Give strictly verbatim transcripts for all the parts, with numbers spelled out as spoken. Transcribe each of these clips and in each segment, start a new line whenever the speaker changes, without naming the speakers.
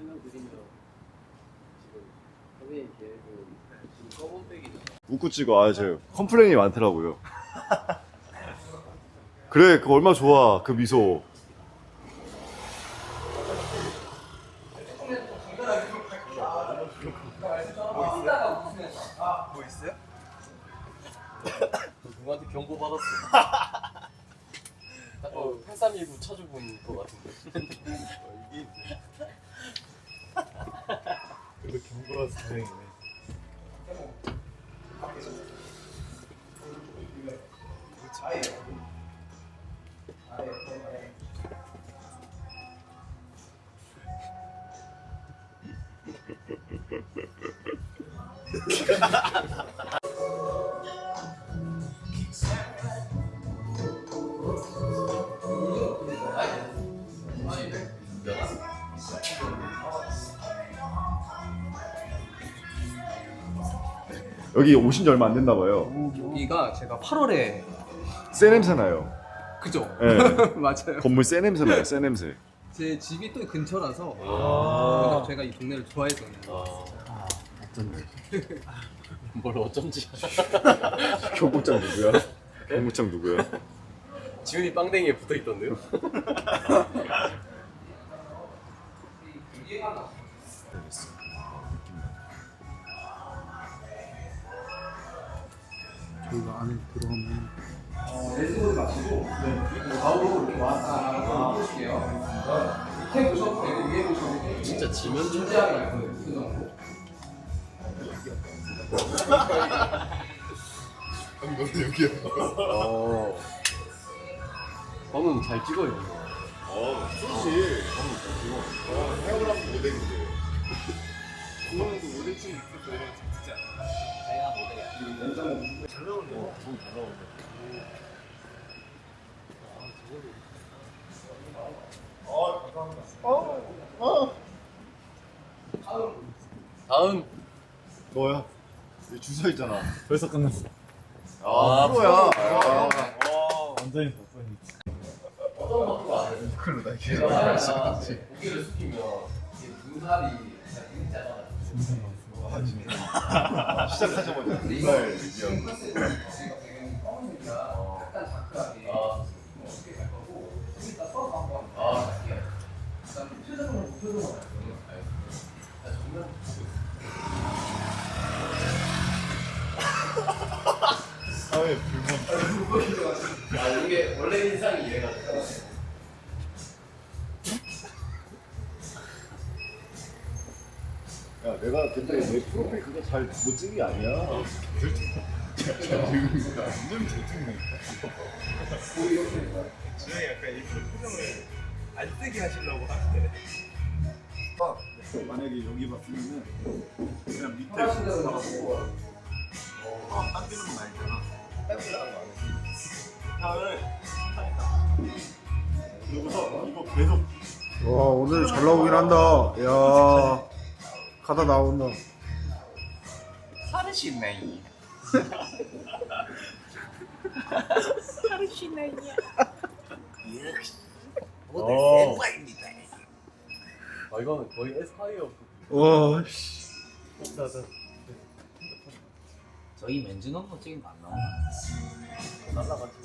설명 드리면 지금 선배님 계획은 지금 검은 백이잖아.
웃고 찍어. 아, 제 컴플레인이 많더라고요. 그래, 그거 얼마나 좋아, 그 미소.
뭐 있어요?
누구한테 경고 받았어. 어, 팔삼일구 쳐주본 거 같은데.
어, 이게 그래도 경고라서 다행이네.
여기 오신 지 얼마 안 됐나 봐요.
여기가 제가 팔월에
새 냄새 나요.
그죠?
네.
맞아요.
건물 새 냄새 나요, 새 냄새.
제 집이 또 근처라서
아.
그래서 제가 이 동네를 좋아해서는
아, 뭘 어쩐지.
경고장 누구야? 경고장 누구야?
지훈이 빵댕이에 붙어 있던데요?
저희가 안에 들어가면
레스보드 마시고 좌우로 이렇게 왔다 보실게요. 밑에 보셔도 되고 위에 보셔도 되고
진짜 지면 좀
진지하게 그 정도.
너도 여기야.
어. 방금 잘 찍어요.
어, 그렇지. 어, 헤어를 하면 모델인데. 그거는 모델 좀 있을 거랑 찍지 않아?
제가 모델이야.
잘 나오네. 어, 너무 잘 나오네. 아, 감사합니다. 어, 어.
다음.
너야. 여기 주서 있잖아.
벌써 끝났어.
아, 프로야.
와, 완전히 덕분이.
어떤 것도 안 해.
그걸로 나 이렇게.
제가 고개를 숙이면 이게 눈살이 되게 작아요.
아, 진짜.
시작하자마자 눈살 얘기하고.
지금 검은색이라 약간 다크하게
아,
어떻게 갈 거고 좀 이따 서서 한번
아,
할게요. 그다음에 표정으로 표정으로 할 거예요.
나 정면
사회 불만.
아, 이게 원래 인상이 이래가지고.
야, 내가 근데 내 프로필 그거 잘 못 찍은 게 아니야.
완전 잘 찍네. 주영이 약간 일부러 표정을 안 뜨게 하시려고 하는데.
만약에 여기 봤으면은 그냥 밑에
하신 대로 나가고
어, 딴 데는 말잖아.
딴 데랑 안 해.
향을 여기서 이거 계속
와 오늘 잘 나오긴 한다. 야 가다 나온다.
사르시네.
어.
아, 이거는 거의 에스파이어.
와 씨.
저희 맨즈 넘버 찍은 거 안 나오나?
날라가지고.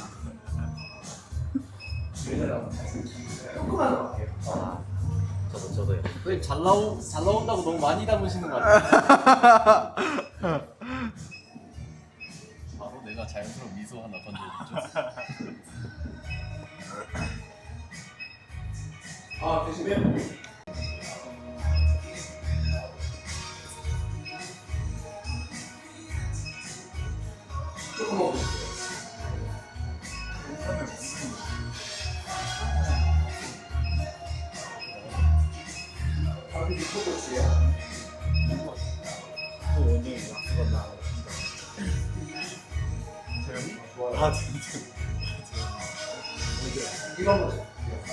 저도 저도요. 선생님 잘 나오 잘 나온다고 너무 많이 담으시는 거 같아요. 바로 내가 자연스러운 미소 하나 던져줬죠.
아 대신에 조금 먹어주세요. 앞에 미쳐볼게요.
아, 진짜.
이거 한번 줘.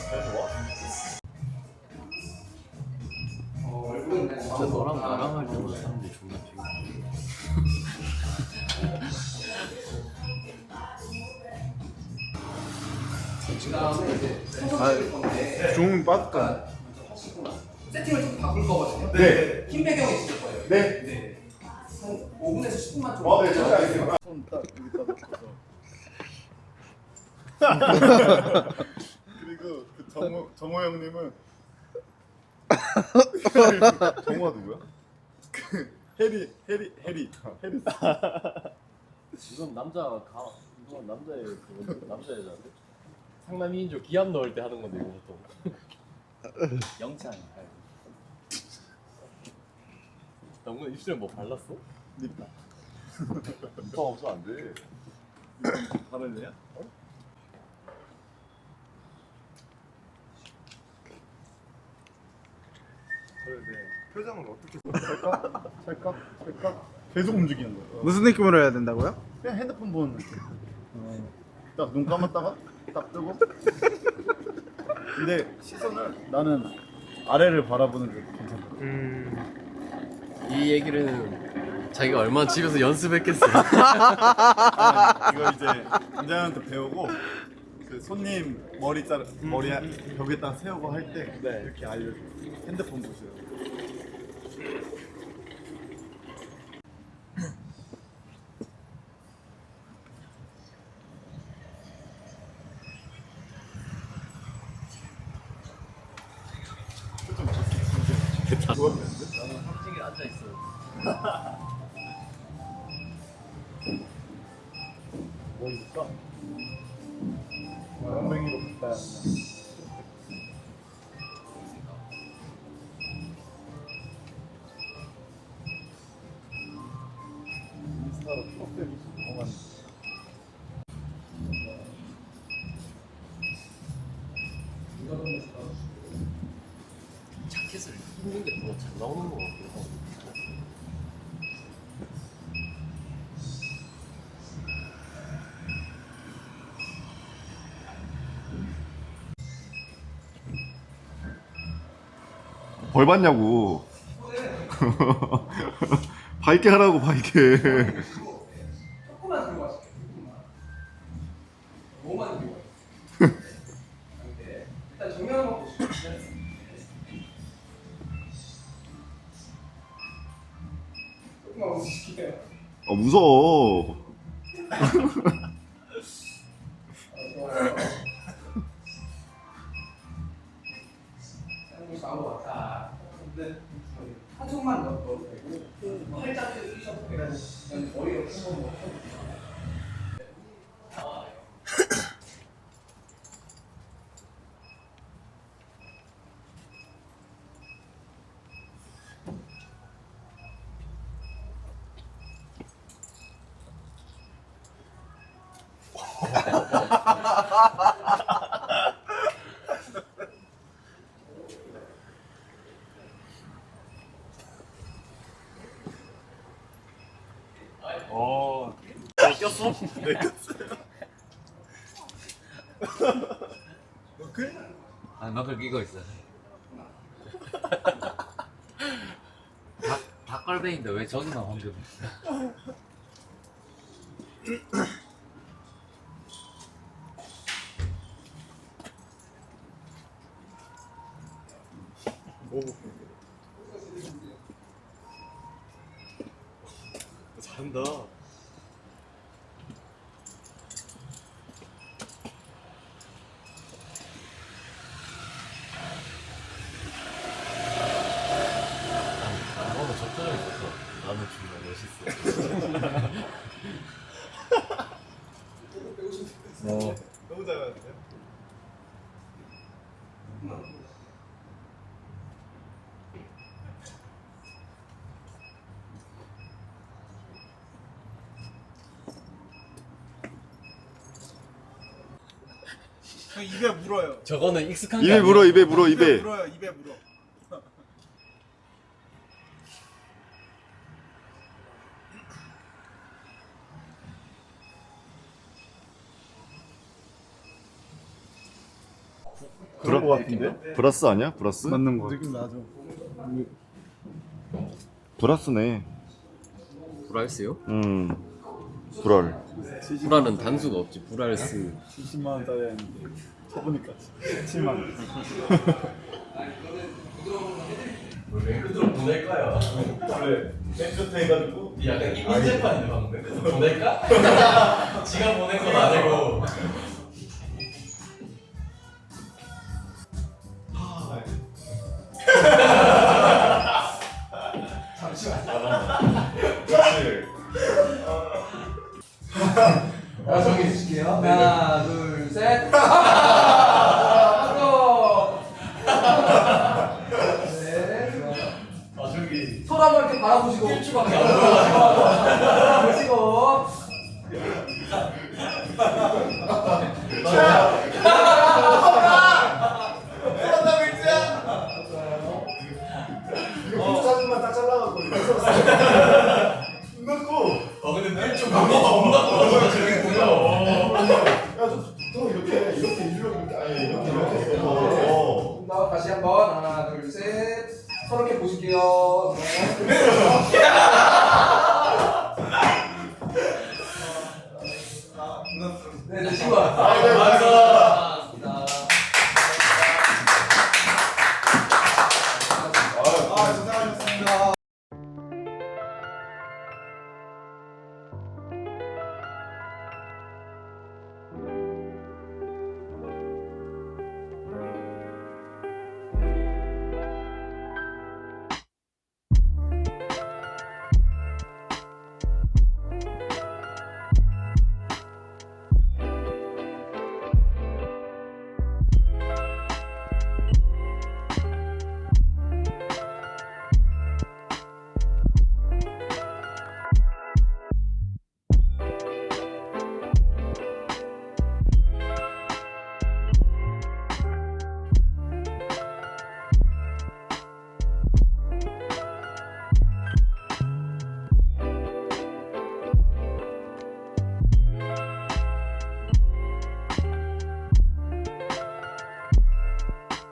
어, 얼굴은
진짜 너랑 나랑 할 때보다 사람들이 존나 피곤해.
그다음에 이제 소독 실 건데
종 빠졌다.
먼저 하시고 나서 세팅을 좀 바꿀 거거든요.
네.
흰 배경이 있을 거예요.
네.
네. 한 오 분에서 십 분만 좀.
어, 네, 절대 알겠습니다.
손딱 여기다 놓고서.
그리고 그 정호 정호 형님은 정호가 누구야? 그 해리 해리 해리 해리.
이건 남자 가 이건 남자의 그건데 남자 여자인데 상남 이인조 기합 넣을 때 하는 건데 이거 보통.
영창.
너무 입술에 뭐 발랐어?
립밤 없어 안 돼. 바를래야? 그래, 네. 표정을 어떻게 찰까? 찰까? 찰까? 계속 움직이는 거야.
무슨 느낌으로 해야 된다고요?
그냥 핸드폰 보는 느낌. 딱 눈 감았다가 딱 뜨고. 근데 시선을 나는 아래를 바라보는 게 괜찮다.
음.
이 얘기를 자기가 얼마나 집에서 연습했겠어.
이거 이제 원장님한테 배우고 그 손님 머리 자르 머리 벽에다 세우고 할 때
네.
이렇게 알려줘. 핸드폰 보세요.
나는 확실히 앉아 있어. 뭐 입을까?
엉덩이로 갔다. 인스타로 프로필 보면
자켓을 입는 게 더 잘 나오는 거 같기도 하고.
벌 받냐고. 밝게 하라고, 밝게.
조금만 들고 가실게요. 조금만. 너무 많이 들고 가요. 네. 일단 정면 한번 보시죠. 조금만 웃으실게요.
어, 무서워.
아, 좋아요. 쌍둥이 좌우로 왔다. 근데 한쪽만 넣어도 되고 팔짱 끼셔도 되고 그냥 머리 이렇게 한번 넣고.
어.
꼈어?
네, 꼈어요.
아, 너클 끼고 있어. 닭, 닭갈비인데 왜 저기만 황금?
잘한다. 너무 적절하게 있어서 나는 정말 멋있어.
어. 너무 잘하는데요?
형 입에 물어요.
저거는 익숙한 게
입에
아니야.
물어, 입에 물어, 입에.
물어요. 입에 물어.
그런 거 같은데?
브라스 아니야? 브라스?
맞는 거.
느낌 나죠?
브라스네.
브랄스요?
음. 브랄.
브랄은 단수가 없지. 브랄스.
칠십만 원짜리 했는데 쳐보니까 칠만 원.
왜맨 끝으로 보낼까요?
원래 맨 끝에 해가지고
약간 이민재판인데 방금 맨 끝으로 보낼까? 지가 보낸 건 아니고.
잠시만.
그렇지.
자, 정리해 주실게요. 하나, 둘, 셋. 한 번. 네, 좋아.
아 저기
손 한번 이렇게 바라보시고.
일주밖에 안 보여가지고.
보시고.
이거 사진만 딱 잘라갖고 넣고
아 근데 일주 감이 겁나 떨어져 저기 보면.
야좀 이렇게 이렇게 일로 이렇게 아니 이렇게 이렇게 해서
다시 한번 하나, 둘, 셋. 서로 이렇게 보실게요. 네.